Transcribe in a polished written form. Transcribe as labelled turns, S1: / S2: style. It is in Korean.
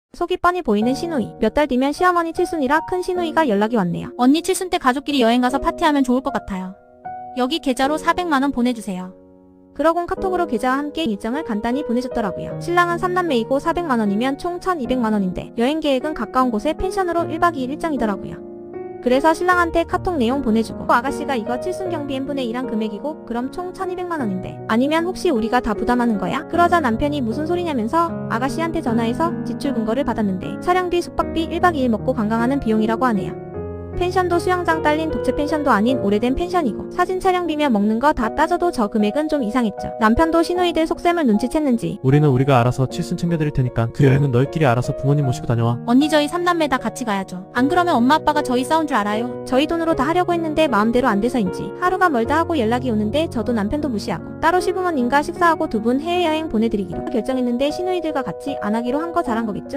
S1: 속이 뻔히 보이는 신우이. 몇 달 뒤면 시어머니 칠순이라 큰 신우이가 연락이 왔네요.
S2: 언니 칠순 때 가족끼리 여행 가서 파티하면 좋을 것 같아요. 여기 계좌로 400만원 보내주세요.
S1: 그러곤 카톡으로 계좌와 함께 일정을 간단히 보내줬더라고요. 신랑은 3남매이고 400만원이면 총 1200만원인데 여행 계획은 가까운 곳에 펜션으로 1박 2일 일정이더라고요. 그래서 신랑한테 카톡 내용 보내주고 아가씨가 이거 칠순 경비 n분의 1한 금액이고 그럼 총 1200만원인데 아니면 혹시 우리가 다 부담하는 거야? 그러자 남편이 무슨 소리냐면서 아가씨한테 전화해서 지출 근거를 받았는데 촬영비 숙박비 1박 2일 먹고 관광하는 비용이라고 하네요. 펜션도 수영장 딸린 독채 펜션도 아닌 오래된 펜션이고 사진 촬영비며 먹는 거 다 따져도 저 금액은 좀 이상했죠. 남편도 시누이들 속셈을 눈치챘는지
S3: 우리는 우리가 알아서 칠순 챙겨드릴 테니까 그 여행은 너희끼리 알아서 부모님 모시고 다녀와.
S2: 언니 저희 3남매 다 같이 가야죠. 안 그러면 엄마 아빠가 저희 싸운 줄 알아요.
S1: 저희 돈으로 다 하려고 했는데 마음대로 안 돼서인지 하루가 멀다 하고 연락이 오는데 저도 남편도 무시하고 따로 시부모님과 식사하고 두 분 해외여행 보내드리기로 결정했는데 시누이들과 같이 안 하기로 한 거 잘한 거겠죠?